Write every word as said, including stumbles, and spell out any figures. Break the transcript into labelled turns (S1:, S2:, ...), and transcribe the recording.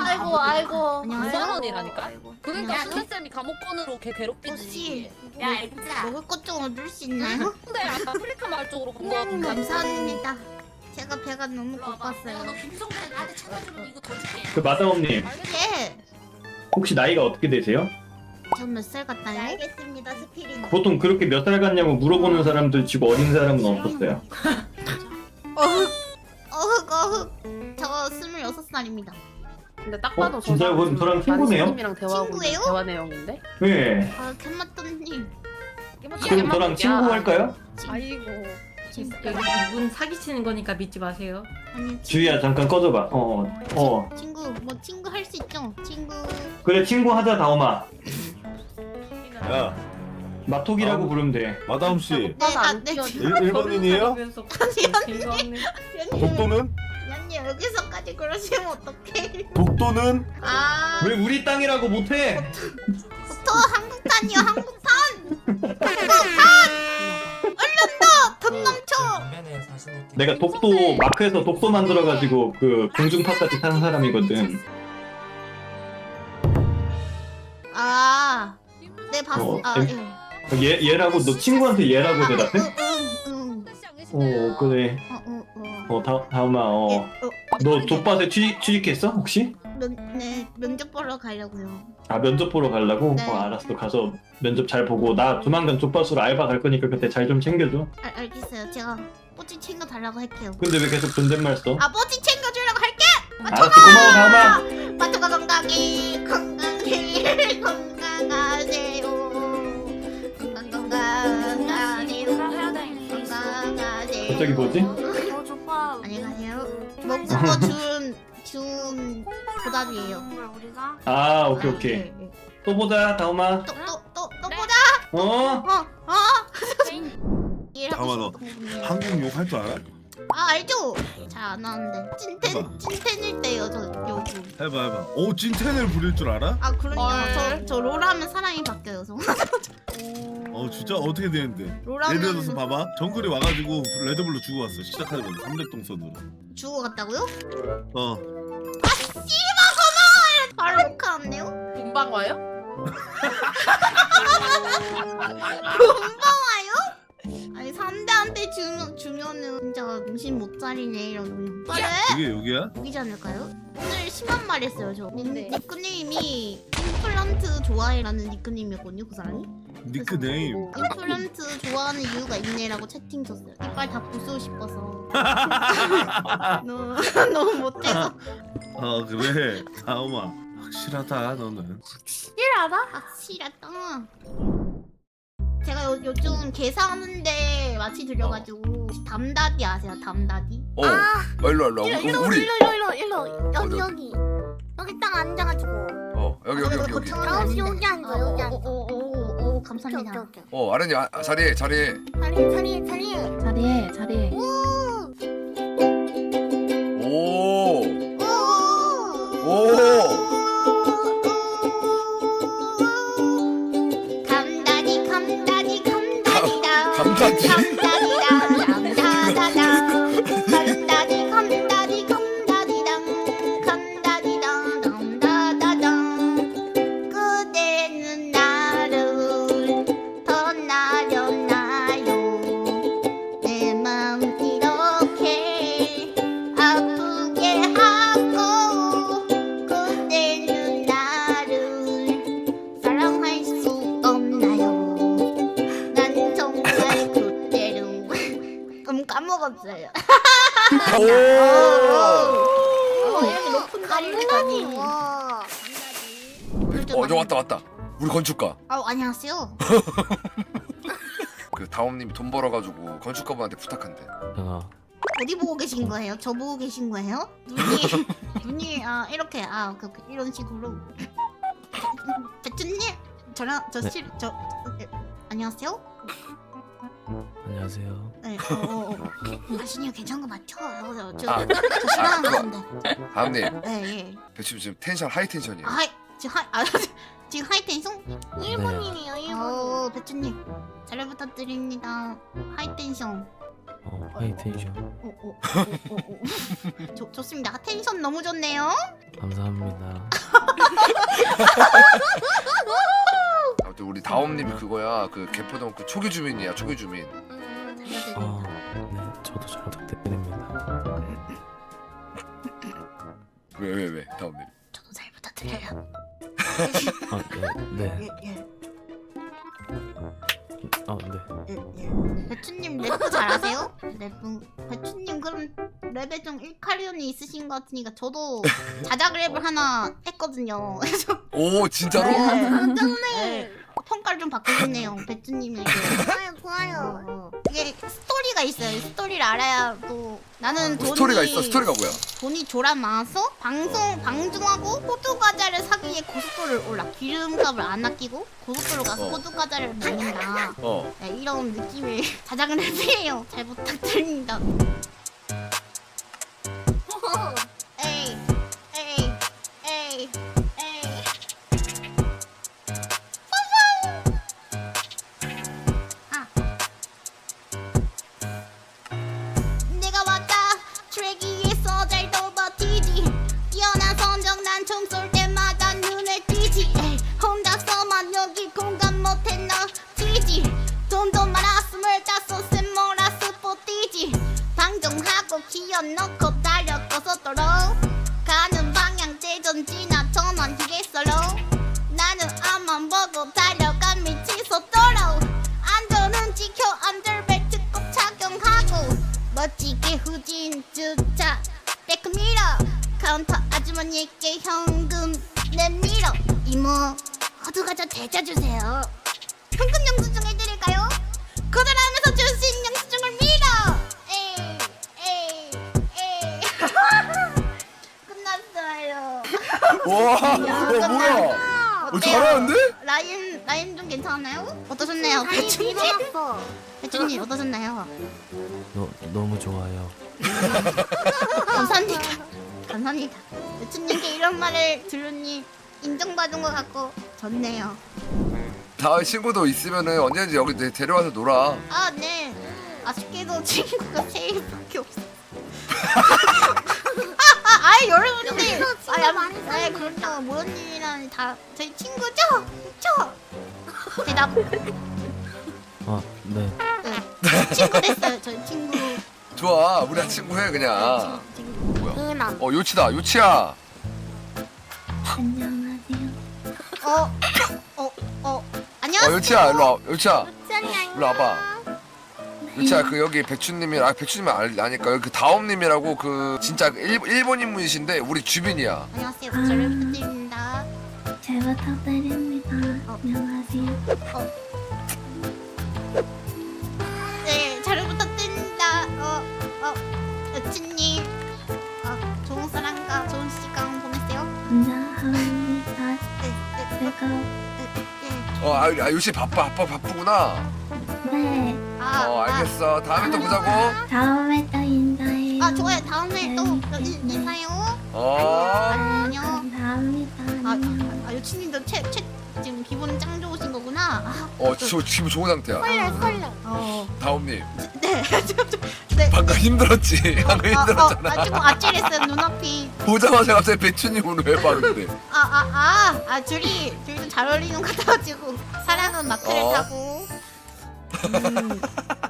S1: 아이고 아이고.
S2: 안녕하세요.
S3: 무서운이라니까.
S1: 아이고.
S3: 그러니까
S1: 안녕하세요.
S3: 수혜쌤이 감옥권으로 걔 괴롭히지.
S1: 혹시
S2: 야 엑자.
S1: 먹을 것 좀 얻을 수 있나요?
S3: 근데 아프리카 말 쪽으로 간거
S1: 음,
S3: 같은데.
S1: 감사합니다. 제가 배가 너무
S2: 내가 너
S1: 고팠어요.
S2: 김성태 나한테 찾아주면 이거 더 줄게.
S4: 그 마다옴님
S1: 예.
S4: 혹시 나이가 어떻게 되세요?
S1: 전 몇 살 같나요?
S5: 알겠습니다, 스피릿.
S4: 보통 그렇게 몇 살 같냐고 물어보는 사람들 치고 어린 사람은 없었어요.
S1: 어흑 어흑 어흑. 저 스물여섯 살입니다.
S3: 근데 딱
S4: 어,
S3: 봐도
S4: 진짜요? 그럼 저랑 친구네요?
S3: 님이랑 대화하고 있는
S1: 친구예요?
S3: 대화 내용인데.
S4: 네.
S1: 아 캔마또님.
S4: 그럼 저랑 친구 할까요?
S3: 아이고.
S6: 여기 이분 사기치는 거니까 믿지 마세요.
S1: 아니 친구,
S4: 주희야 잠깐 꺼져봐. 어, 어.
S1: 친구 뭐 친구 할 수 있죠? 친구.
S4: 그래 친구 하자 다오마.
S7: 야,
S4: 마톡이라고
S7: 아,
S4: 부르면 돼.
S7: 마다움 씨,
S1: 네, 아, 네.
S7: 일, 일본인이에요?
S1: 연님
S7: 독도는?
S1: 연님 여기서까지 그러시면 어떡해?
S7: 독도는?
S1: 아,
S4: 왜 우리 땅이라고 못해?
S1: 저 한국탄이요 한국탄. 한국탄. 얼른 더 돈 넘쳐.
S4: 내가 독도 마크에서 독도 만들어가지고 그 공중파까지 타는 사람이거든.
S1: 아, 네 봤어.
S4: 어,
S1: 아,
S4: em-
S1: 예.
S4: 얘 얘라고 너 친구한테 얘라고 대답해?
S1: 응, 응,
S4: 어 그래.
S1: 어, 어, 어.
S4: 어 다, 다오마 어.
S1: 예, 어,
S4: 너 족밭에 취직, 취직했어 혹시?
S1: 면, 네 면접 보러 가려고요.
S4: 아 면접 보러 가려고?
S1: 네.
S4: 어 알았어 가서 면접 잘 보고 나 조만간 족밭으로 알바 갈 거니까 그때 잘 좀 챙겨줘.
S1: 알, 알겠어요. 제가 뽀찌 챙겨 달라고 할게요.
S4: 근데 왜 계속 존댓말 써?
S1: 아, 뽀찌 챙겨 주려고 할게.
S4: 알았어 고마워 다오마.
S1: 마토가 건강히 건강히 건강하세요. 건강 건강하세요. 건강하세요.
S4: 갑자기 뭐지?
S5: 어, 조파.
S1: 안녕하세요. 먹고 거준 준 보답이에요.
S5: 우리가
S4: 아 오케이 오케이
S1: 네, 네.
S4: 또 보자 다오마.
S1: 또 또 또 또 보자.
S4: 어?
S1: 어 어. 일하고
S7: 잠깐만, 너
S1: 싶었던 거군요.
S7: 한국 욕 할 줄 알아?
S1: 아 알죠? 잘 안 하는데
S7: 해봐.
S1: 찐텐 찐텐일 때요 저 요구.
S7: 해봐 해봐. 오, 찐텐을 부릴 줄 알아?
S1: 아 그럼요.
S3: 헐.
S1: 저저 롤하면 사람이 바뀌어요. 저.
S7: 어, 진짜 어떻게 되는데?
S1: 롤하면
S7: 예를 들어서 봐봐. 정글이 와가지고 레드불로 주고 왔어. 시작하자마자 삼백 동선으로.
S1: 주고 갔다고요?
S7: 어.
S1: 바로 녹화하네요.
S3: 금방 와요?
S1: 금방 와요? 아니 상대한테 주면 주면은 진짜 정신 못 차리네 이러면. 그래?
S7: 그게 여기야?
S1: 여기지 않을까요? 오늘 심한 말 했어요 저.
S3: 뭔데?
S1: 니크네임이 임플란트 좋아해라는 니크네임이었거든요 그 사람이.
S7: 니크네임.
S1: 임플란트 좋아하는 이유가 있네라고 채팅 쳤어요. 이빨 다 부수고 싶어서. 너무 너무 못해서.
S7: 어, 그래. 다음아. 확실하다, 너는.
S1: 확실하다? 확실하다. 제가 요, 요즘 계산하는데 마치 들려가지고 담다디 아세요? 담다디?
S8: 어, 어 일로 와, 일로 와.
S5: 일로 일로
S8: 우리
S5: 일로 일로 일로 여기
S8: 어디,
S5: 여기 여기 딱 앉아가지고
S8: 어 여기 여기 여기 여기.
S5: 여기 여기 앉아 여기 앉아.
S1: 오오오오
S5: 오케이
S1: 감사합니다.
S5: 오케이 오케이.
S8: 어 아련이 아, 자리해 자리해.
S5: 자리 자리 자리.
S3: 자리해 자리해.
S5: 오.
S8: 오.
S1: 오.
S8: 오.
S1: 감다디 감다디 감다디다.
S8: 감다디?
S1: 감다디다. 감다다다. 감다디 감다디 감다디당. 감다디당 감다다당. 그대는 나를 더 나렸나요? 내 마음 이렇게 아프게 하고 그대는 나를 사랑할 수 없나요? 난 정말 그대를 음 까먹었어요.
S8: 오.
S1: 어, 이렇게 높은 자리를 가니.
S5: 와.
S8: 어저 왔다 왔다. 우리 건축가.
S1: 아 안녕하세요.
S8: 그 다옴님이 돈 벌어가지고 건축가분한테 부탁한대.
S1: 어디 보고 계신 거예요? 저 보고 계신 거예요? 눈이 눈이 아 이렇게 아 그, 그, 이런 식으로. 배추님 저랑 저실저 네. 안녕하세요.
S9: 안녕하세요.
S1: 네. 어, 어, 어. 아시니요 괜찮은 거 맞죠? 저, 저,
S8: 아,
S1: 저 싫어하는
S8: 그거.
S1: 건데.
S8: 다옴님
S1: 네 예.
S8: 지금 지금 텐션 하이 텐션이에요.
S1: 아 하이 지금 하이 아 지금 하이텐션?
S5: 일본인이에요 일본.
S1: 어 배추님 잘 부탁드립니다. 하이텐션.
S9: 어, 하이텐션.
S1: 어, 어, 어, 어, 어. 좋, 좋습니다. 텐션 너무 좋네요.
S9: 감사합니다.
S8: 아무튼 우리 다옴님이 그거야. 그 개포동 그 초기 주민이야. 초기 주민.
S9: 아, 네, 저도 잘 부탁드립니다.
S8: 왜 왜 왜? 다옴님.
S1: 저도 잘 부탁드려요.
S9: 아, 네, 네.
S1: 예, 예,
S9: 아, 네.
S1: 예, 예. 배추님 랩도 잘하세요? 랩은 배추님 그럼 랩에 좀 일카리온이 있으신 것 같으니까 저도 자작 랩을 하나 했거든요. 그래서
S8: 오 진짜로?
S1: 네. 평가를 좀 받고 싶네요. 배추님에게.
S5: 좋아요 좋아요.
S1: 어, 이게 스토리가 있어요. 이 스토리를 알아야 또 나는 돈이
S8: 스토리가 있어. 스토리가 뭐야?
S1: 돈이 조라 많아서 방송 방중하고 호두 과자를 사기 위해 고속도로를 올라 기름값을 안 아끼고 고속도로 가서
S8: 어.
S1: 호두 과자를 먹는다.
S8: 어.
S1: 네, 이런 느낌의 자작은 랩이에요. 잘 부탁드립니다. 에이 에이 에이 에이 아. 내가 왔다 트랙 위에서 잘도 버티지 뛰어난 선정 난 총 쏠 때마다 눈에 띄지 에이, 혼자서만 여기 공감 못해 너지지 돈도 많아 스물다섯 세 몰아서 뽀띠지 방종하고 기어넣고 달려 고속도로 가는 방향 재전지나 전원 휴게소로 나는 앞만 보고 달려간 미친 속도로 안전은 지켜 안전벨트 꼭 착용하고 멋지게 후진 주차 백미러 카운터 아주머니께 현금 내밀어 이모 호두과자 대자주세요 현금 영수증 해드릴까요? 거절하면서 줄 수 있는 영수증을 밀어 에이 에이 에이 끝났어요.
S8: 와,
S1: 야,
S8: 와 뭐야? 어, 잘하는데?
S1: 라인 라인 좀 괜찮나요? 어떠셨나요?
S5: 다리
S1: 배추님?
S5: 밀어놨어.
S1: 배추님 어떠셨나요?
S9: 너, 너무 좋아요.
S1: 감사합니다. 감사합니다. 배추님께 이런 말을 들으니 인정받은 것 같고 좋네요.
S8: 다음 친구도 있으면은 언제든지 여기 내- 데려와서 놀아.
S1: 아 네. 아쉽게도 친구가 세 일밖에 없어. 아, 아, 아이 여러분들.
S5: 여기서 친구
S1: 아, 야,
S5: 많이
S1: 아,
S5: 사귀는
S1: 그렇다고 모연님이랑 다 저희 친구죠? 저. 대답.
S9: 아, 네.
S1: 네. 친구 됐어요. 저희 친구.
S8: 좋아, 우리 친구 해 그냥.
S1: 친구.
S8: 뭐야?
S5: 은하.
S8: 어 요치다, 요치야.
S3: 안녕하세요.
S1: 어. 어. 어.
S8: 어
S1: 안녕하세요.
S8: 요치야, 일로 와. 요치야,
S5: 안녕.
S8: 일로 와봐. 요치야, 그 여기 배추님이 아 배추님이 알, 아니까 여기 그 다옴님이라고 그 진짜 일, 일본 인물이신데 우리 주민이야.
S1: 안녕하세요. 저를 부탁드립니다.
S3: 잘 부탁드립니다. 안녕하세요.
S1: 네, 잘 부탁드립니다. 어, 어, 여친님, 어, 좋은 사랑과 좋은 시간 보내세요.
S3: 감사합니다.
S1: 네, 네,
S3: 제가
S1: 네, 네.
S8: 어, 아, 아 요치 바빠, 바빠, 바쁘구나.
S3: 네
S1: 아,
S8: 어, 알겠어. 다음에 또 보자고.
S3: 다음에 또 인사해요.
S1: 아, 아, 좋아요. 다음에 또 인- 인사해요.
S8: 어.
S1: 안녕.
S3: 감사합니다.
S1: 아,
S3: 안녕.
S1: 아, 여친님도 채, 채, 지금 기분 짱 좋으신 거구나. 아,
S8: 어, 저 지금 좋은 상태야.
S5: 설레 설레.
S1: 어,
S8: 다옴님,
S1: 네, 네.
S8: 방금 힘들었지. 방금
S1: 아, 어,
S8: 힘들었잖아.
S1: 아, 조금 아찔했어요. 눈앞이.
S8: 보자마자 갑자기 배추님으로 해봤는데.
S1: 아, 아, 아, 아, 둘이, 둘이 좀 잘 어울리는 것 같아가지고. 사랑은 마크를
S8: 어.
S1: 타고. 음.